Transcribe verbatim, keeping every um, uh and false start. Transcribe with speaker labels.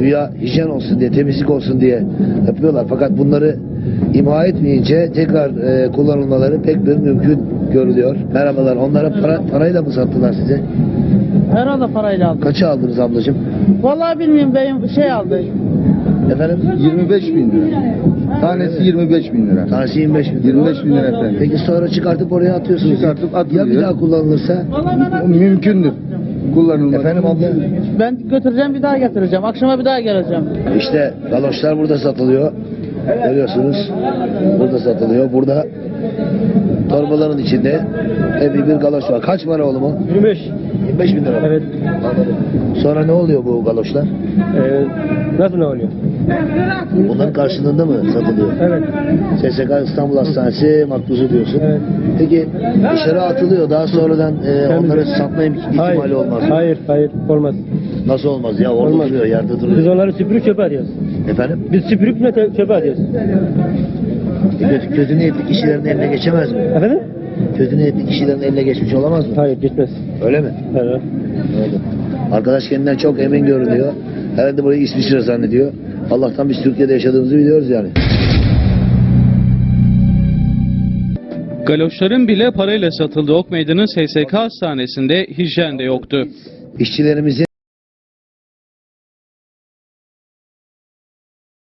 Speaker 1: güya hijyen olsun diye, temizlik olsun diye yapıyorlar. Fakat bunları imha etmeyince tekrar e, kullanılmaları pek bir mümkün görülüyor. Merhabalar. Onlara para, parayla mı sattılar size?
Speaker 2: Herhalde parayla aldım.
Speaker 1: Kaça aldınız ablacığım?
Speaker 2: Vallahi bilmiyorum, beyim şey aldı.
Speaker 1: Efendim?
Speaker 3: yirmi beş bin lira. Tanesi yirmi beş bin lira.
Speaker 1: Tanesi yirmi beş bin lira.
Speaker 3: yirmi beş bin lira efendim.
Speaker 1: Peki sonra çıkartıp oraya atıyorsunuz.
Speaker 3: Çıkartıp
Speaker 1: Ya
Speaker 3: atılıyor.
Speaker 1: bir daha kullanılırsa?
Speaker 3: Mümkündür. Kullanılmak.
Speaker 1: Efendim abla?
Speaker 2: Ben götüreceğim, bir daha getireceğim. Akşama bir daha geleceğim.
Speaker 1: İşte galoşlar burada satılıyor. Görüyorsunuz. Burada satılıyor. Burada torbaların içinde epey bir galoş var. Kaç para oğlum o?
Speaker 4: yirmi beş.
Speaker 1: yirmi beş bin lira.
Speaker 4: Evet.
Speaker 1: Anladım. Sonra ne oluyor bu galoşlar?
Speaker 4: Ee, nasıl ne oluyor?
Speaker 1: Bunların karşılığında mı satılıyor?
Speaker 4: Evet.
Speaker 1: S S K İstanbul Hastanesi makbuzu diyorsun.
Speaker 4: Evet.
Speaker 1: Peki dışarı atılıyor. Daha sonradan e, onları satma im- ihtimali
Speaker 4: Hayır.
Speaker 1: olmaz mı?
Speaker 4: Hayır, hayır. Olmaz.
Speaker 1: Nasıl olmaz ya? Orada
Speaker 4: Olmaz.
Speaker 1: duruyor, yerde
Speaker 4: Biz
Speaker 1: duruyor.
Speaker 4: onları süpürüp çöpe atıyoruz.
Speaker 1: Efendim?
Speaker 4: Biz süpürüp ne te- çöpe atıyoruz.
Speaker 1: E, kötü, kötü niyetli kişilerin eline geçemez mi?
Speaker 4: Efendim?
Speaker 1: Kötü niyetli kişilerin eline geçmiş olamaz mı?
Speaker 4: Hayır, gitmez.
Speaker 1: Öyle mi?
Speaker 4: Evet.
Speaker 1: Öyle. Arkadaş kendinden çok emin görünüyor. Herhalde burayı İsviçre zannediyor. Allah'tan biz Türkiye'de yaşadığımızı biliyoruz yani.
Speaker 5: Galoşların bile parayla satıldığı Ok Meydanı S S K hastanesinde hijyen de yoktu.
Speaker 1: İşçilerimizin